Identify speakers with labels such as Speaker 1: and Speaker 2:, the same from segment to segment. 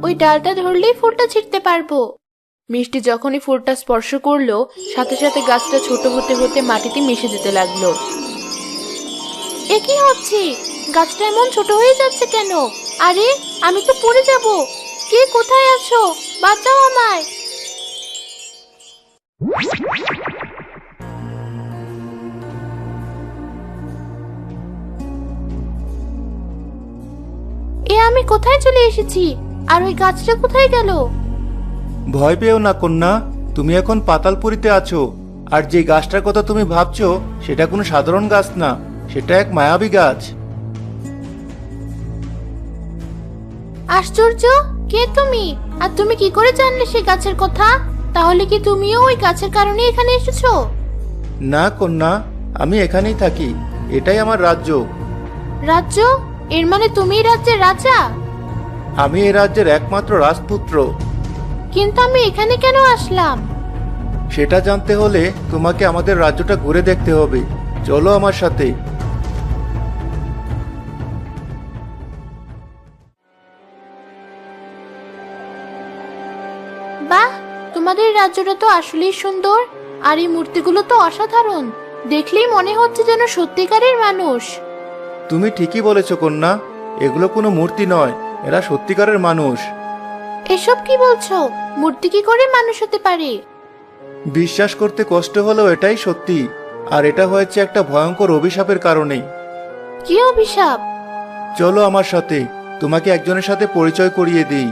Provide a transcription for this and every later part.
Speaker 1: ওই ডালটা ধরলেই ফুলটা ছিঁড়তে পারবো। মিষ্টি যখনই ফুলটা স্পর্শ করলো, সাথে সাথে গাছটা ছোট হতে হতে মাটিতে মিশে যেতে লাগলো। এ কি হচ্ছে? গাছটা এমন ছোট হয়ে যাচ্ছে কেন? আরে, আমি তো পড়ে যাব। কে কোথায় আছো? বাঁচাও আমায়। এ আমি কোথায় চলে এসেছি? আর ওই গাছটা কোথায় গেল?
Speaker 2: ভয় পেও না কন্যা, তুমি এখন পাতালপুরীতে আছো। আর যে গাছটার কথা তুমি ভাবছো সেটা কোনো সাধারণ গাছ না, সেটা এক মায়াবী গাছ।
Speaker 1: আশ্চর্য! কে তুমি? আর তুমি কি করে জানলে সেই গাছের কথা? তাহলে কি তুমিও ওই গাছের কারণে এখানে এসেছো?
Speaker 2: না কন্যা, আমি এখানেই থাকি, এটাই আমার রাজ্য।
Speaker 1: রাজ্য? এর মানে তুমিই রাজ্যের রাজা?
Speaker 2: আমি এই রাজ্যের একমাত্র রাজপুত্র।
Speaker 1: কিন্তু আমি এখানে কেন আসলাম?
Speaker 2: সেটা জানতে হলে তোমাকে আমাদের রাজ্যটা ঘুরে দেখতে হবে। চলো আমার সাথে।
Speaker 1: বাহ, তোমাদের রাজ্যটা তো আসলেই সুন্দর। আর এই মূর্তিগুলো তো অসাধারণ। দেখলেই মনে হচ্ছে যেন সত্যিকারের মানুষ।
Speaker 2: তুমি ঠিকই বলেছ কন্যা, এগুলো কোনো মূর্তি নয়, এরা সত্যিকারের মানুষ।
Speaker 1: এসব কি বলছো? মূর্তি কি করে মানুষ হতে পারে?
Speaker 2: বিশ্বাস করতে কষ্ট হলেও এটাই সত্যি। আর এটা হয়েছে একটা ভয়ঙ্কর অভিশাপের কারণে।
Speaker 1: কি অভিশাপ?
Speaker 2: চলো আমার সাথে, তোমাকে একজনের সাথে পরিচয় করিয়ে দিই।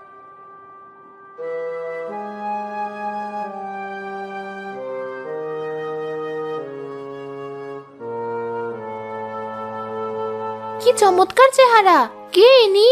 Speaker 1: কি চমৎকার চেহারা! কে ইনি?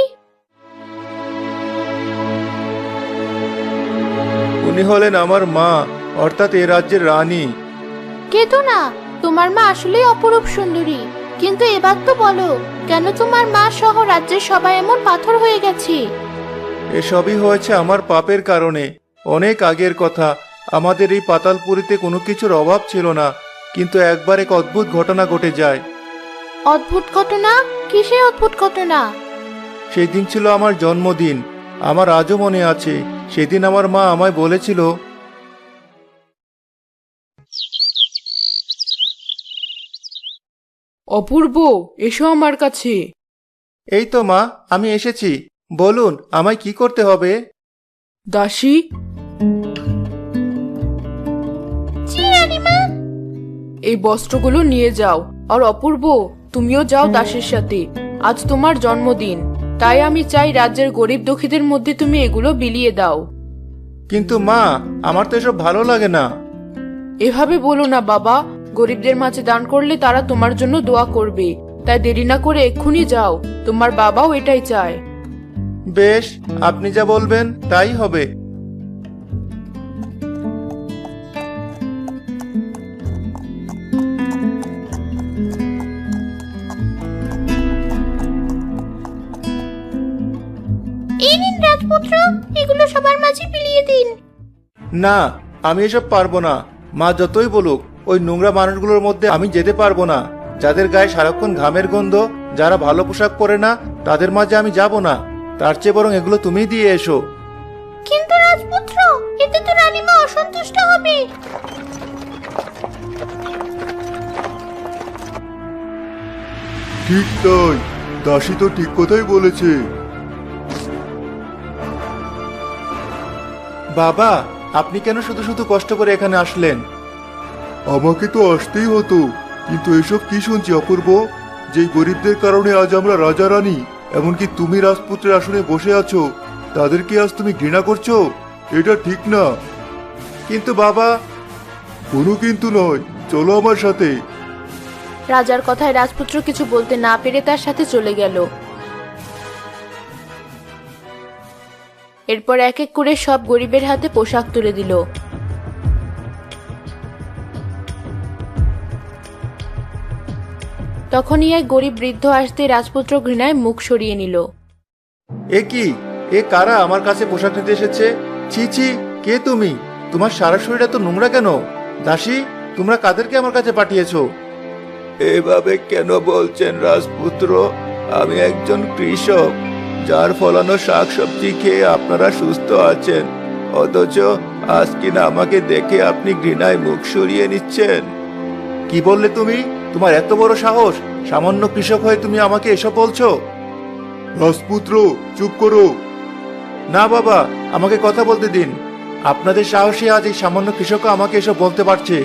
Speaker 2: উনি হলেন আমার মা, অর্থাৎ এ রাজ্যের রানী।
Speaker 1: কেতো না, তোমার মা আসলেই অপরূপ সুন্দরী। কিন্তু এবার তো বলো, কেন তোমার মা সহ রাজ্যের সবাই এমন পাথর হয়ে গেছে?
Speaker 2: এসবই হয়েছে আমার পাপের কারণে। অনেক আগের কথা, আমাদের এই পাতালপুরীতে কোনো কিছুর অভাব ছিল না, কিন্তু একবার এক অদ্ভুত ঘটনা ঘটে যায়।
Speaker 1: অদ্ভুত ঘটনা? কিসের অদ্ভুত ঘটনা?
Speaker 2: সেই দিন ছিল আমার জন্মদিন। আমার আজও মনে আছে, সেদিন আমার মা আমায় বলেছিল,
Speaker 3: অপূর্ব, এসো আমার কাছে।
Speaker 2: এই তো মা, আমি এসেছি। বলুন, আমায় কি করতে হবে?
Speaker 3: দাসী,
Speaker 1: জি রানীমা।
Speaker 3: এই বস্ত্রগুলো নিয়ে যাও। আর অপূর্ব, তুমিও যাও দাসের সাথে। আজ তোমার জন্মদিন, তাই আমি চাই রাজ্যের গরিব দুঃখীদের মধ্যে তুমি এগুলো বিলিয়ে দাও।
Speaker 2: কিন্তু মা, আমার তো এসব ভালো লাগে না।
Speaker 3: এভাবে বলো না বাবা, গরিবদের মাঝে দান করলে তারা তোমার জন্য দোয়া করবে। তাই দেরি না করে এক্ষুনি যাও, তোমার বাবাও এটাই চায়।
Speaker 2: বেশ, আপনি যা বলবেন তাই হবে।
Speaker 1: এই নিন রাজপুত্র, এগুলো সবার মাঝে বিলিয়ে দিন।
Speaker 2: না, আমি এসব পারবো না। মা যতই বলুক, ওই নোংরা মানুষগুলোর মধ্যে আমি যেতে পারবো না। যাদের গায়ে সারাক্ষণ ঘামের গন্ধ, যারা ভালো পোশাক পরে না, তাদের মাঝে আমি যাব না। তার চেয়ে বরং এগুলো তুমিই দিয়ে এসো।
Speaker 1: কিন্তু রাজপুত্র, এতে তো রানীমা অসন্তুষ্ট হবে।
Speaker 2: ঠিক তাই, দাসী তো ঠিক কথাই বলেছে। বাবা, আপনি কেন শুধু শুধু কষ্ট করে এখানে আসলেন?
Speaker 4: আমাকে তো আসতেই হতো, কিন্তু এসব কি শুনছি অপূর্ব? যেই গরিবদের কারণে আজ আমরা রাজা রানী, এমনকি তুমি রাজপুত্রের আসনে বসে আছো, তাদেরকে আজ তুমি ঘৃণা করছো? এটা ঠিক না।
Speaker 2: কিন্তু বাবা।
Speaker 4: কোনো কিন্তু নয়, চলো আমার সাথে।
Speaker 1: রাজার কথায় রাজপুত্র কিছু বলতে না পেরে তার সাথে চলে গেল। এরপর এক এক করে সব গরিবের হাতে পোশাক তুলে দিল। তখনই এক গরিব বৃদ্ধ আসতে রাজপুত্র ঘৃণায় মুখ সরিয়ে নিল।
Speaker 2: এ কি? এ কারা আমার কাছে পোশাক নিতে এসেছে? ছি ছি, কে তুমি? তোমার সারা শরীরটা তো নোংরা কেন? দাসী, তোমরা কাদেরকে আমার কাছে পাঠিয়েছো? এভাবে কেন বলছেন রাজপুত্র? আমি একজন কৃষক, যার ফলানো শাকসবজি খেয়ে আপনারা সুস্থ আছেন, অথচ আজ কিনা আমাকে দেখে আপনি ঘৃণায় মুখ সরিয়ে নিচ্ছেন। কি বললে তুমি? তোমার এত বড় সাহস! সামান্য কৃষক হয়ে তুমি আমাকে এসব বলছো?
Speaker 4: রাজপুত্র, চুপ করো।
Speaker 2: না বাবা, আমাকে কথা বলতে দিন। আপনাদের সাহসে আজ এই সামান্য কৃষকও আমাকে এসব বলতে পারছে।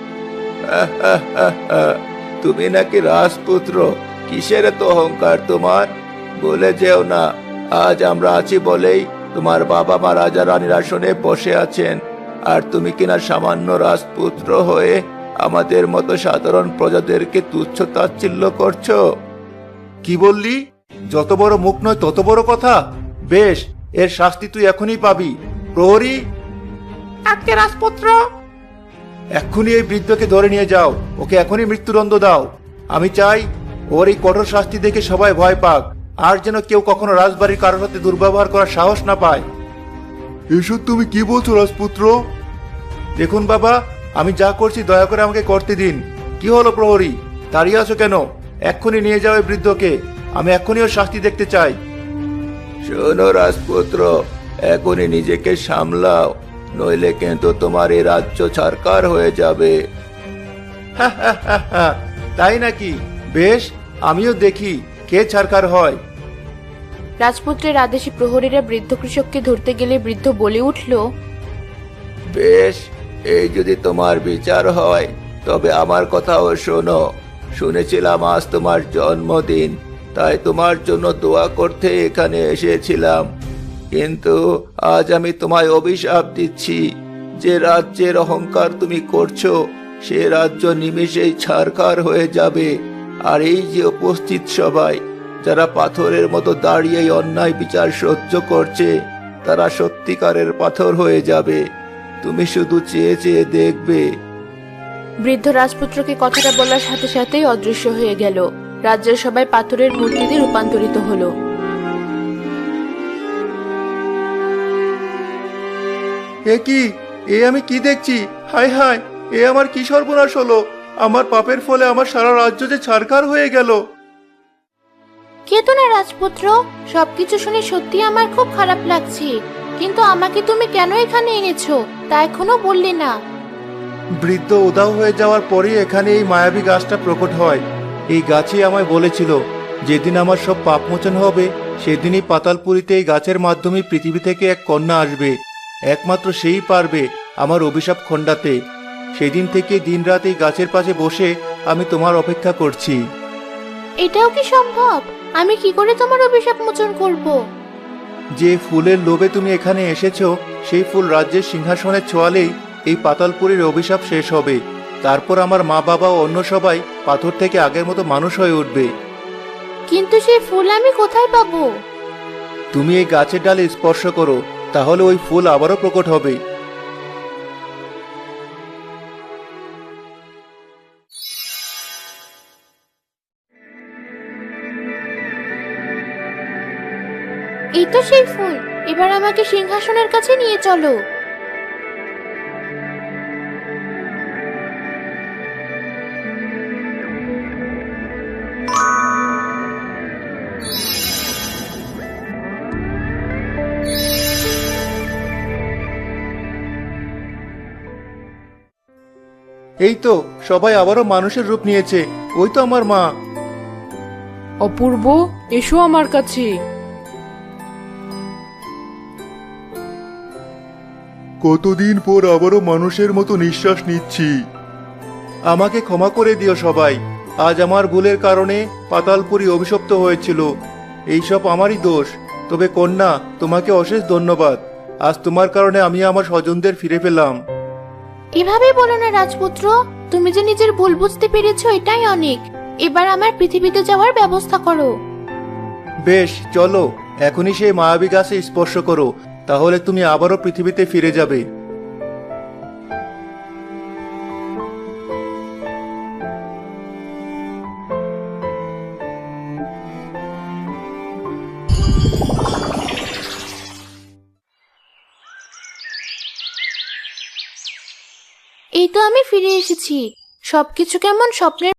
Speaker 2: তুমি নাকি রাজপুত্র? কিসের এত অহংকার তোমার? বলে যেও না, আজ আমরা আছি বলেই তোমার বাবা মা রাজা রানীর আসনে বসে আছেন, আর তুমি কিনা সামান্য রাজপুত্র হয়ে আমাদের মতো সাধারণ প্রজাদেরকে তুচ্ছ তাচ্ছিল্য করছো। কি বললি? যত বড় মুখ নয় তত বড় কথা। বেশ, এর শাস্তি তুই এখনই পাবি। প্রহরী, আজকে রাজপুত্র, এক্ষুনি এই বৃদ্ধকে ধরে নিয়ে যাও। ওকে এখনই মৃত্যুদণ্ড দাও। আমি চাই ওর এই কঠোর শাস্তি দেখে সবাই ভয় পাক, আর যেন কেউ কখনো রাজবাড়ির কারোর সাথে দুর্ব্যবহার করার সাহস না পায়।
Speaker 4: এসব তুমি কি বলছো রাজপুত্র?
Speaker 2: দেখুন বাবা, আমি যা করছি দয়া করে আমাকে করতে দিন। কি হলো প্রহরী, দাঁড়িয়ে আছো কেন? এক্ষুনি নিয়ে যাও এই বৃদ্ধকে। আমি এক্ষুনি ওর শাস্তি দেখতে চাই। শোনো রাজপুত্র, এখনই নিজেকে সামলাও, নইলে কিন্তু তোমার এই রাজ্য ছারকার হয়ে যাবে। তাই নাকি? বেশ, আমিও দেখি কে ছারকার হয়।
Speaker 1: রাজপুত্রের আদেশে প্রহরীরা বৃদ্ধ কৃষককে ধরতে গেলে বৃদ্ধ বলে উঠল,
Speaker 2: বেশ, এই যদি তোমার বিচার হয় তবে আমার কথাও শোনো। শুনেছিলাম আজ তোমার জন্মদিন, তাই তোমার জন্য দোয়া করতে এখানে এসেছিলাম। কিন্তু আজ আমি তোমায় অভিশাপ দিচ্ছি। যে রাজ্যের অহংকার তুমি করছো, সে রাজ্য নিমেষেই ছারখার হয়ে যাবে। আর এই যে উপস্থিত সবাই, যারা পাথরের মতো দাঁড়িয়ে অন্যায় বিচার সহ্য করছে, তারা সত্যিকারের পাথর হয়ে যাবে। তুমি শুধু চেয়ে চেয়ে দেখবে।
Speaker 1: বৃদ্ধ রাজপুত্রকে কথাটা বলার সাথে সাথেই অদৃশ্য হয়ে গেল। রাজ্যের সবাই পাথরের মূর্তিতে রূপান্তরিত হলো।
Speaker 2: এ কি? এ আমি কি দেখছি? হায় হায়, এ আমার কি সর্বনাশ হলো! আমার পাপের ফলে আমার সারা রাজ্য যে ছারখার হয়ে গেল।
Speaker 1: কেতো না রাজপুত্র, সবকিছু শুনে সত্যি আমার খুব খারাপ লাগছে। কিন্তু আমাকে তুমি কেন এখানে এনেছো তা এখনো বললে না।
Speaker 2: বৃদ্ধ উধাও হয়ে যাওয়ার পরেই এখানে এই মায়াবী গাছটা প্রকট হয়। এই গাছই আমায় বলেছিল, যেদিন আমার সব পাপ মোচন হবে সেদিনই পাতালপুরীতে এই গাছের মাধ্যমে পৃথিবী থেকে এক কন্যা আসবে। একমাত্র সেই পারবে আমার অভিশাপ খণ্ডাতে। সেদিন থেকে দিনরাত এই গাছের পাশে বসে আমি তোমার অপেক্ষা করছি।
Speaker 1: এটাও কি সম্ভব? আমি কি করে তোমার অভিশাপ মোচন করব?
Speaker 2: যে ফুলের লোভে তুমি এখানে এসেছো, সেই ফুল রাজ্যের সিংহাসনে ছোঁয়ালেই এই পাতালপুরীর অভিশাপ শেষ হবে। তারপর আমার মা বাবা ও অন্য সবাই পাথর থেকে আগের মতো মানুষ হয়ে উঠবে।
Speaker 1: কিন্তু সেই ফুল আমি কোথায় পাবো?
Speaker 2: তুমি এই গাছের ডালে স্পর্শ করো, তাহলে ওই ফুল আবারও প্রকট হবে।
Speaker 1: এই তো সেই ফুল। এবার আমাকে সিংহাসনের কাছে নিয়ে চলো।
Speaker 2: এই তো সবাই আবারও মানুষের রূপ নিয়েছে। ওই তো আমার মা।
Speaker 3: অপূর্ব, এসো আমার কাছে।
Speaker 4: কতদিন পর আবারও মানুষের মতো নিঃশ্বাস নিচ্ছি।
Speaker 2: আমাকে ক্ষমা করে দিও সবাই। আজ আমার ভুলের কারণে পাতালপুরী অভিশপ্ত হয়েছিল। এইসব আমারই দোষ। তবে কন্যা, তোমাকে অশেষ ধন্যবাদ। আজ তোমার কারণে আমি আমার স্বজনদের ফিরে পেলাম।
Speaker 1: এভাবে বলো না রাজপুত্র, তুমি যে নিজের ভুল বুঝতে পেরেছো এটাই অনেক। এবার আমার পৃথিবীতে যাওয়ার ব্যবস্থা করো।
Speaker 2: বেশ, চলো এখনই সেই মায়াবী গাছে স্পর্শ করো, তাহলে তুমি আবারও পৃথিবীতে ফিরে যাবে।
Speaker 1: এই তো আমি ফিরে এসেছি। সবকিছু কেমন স্বপ্নের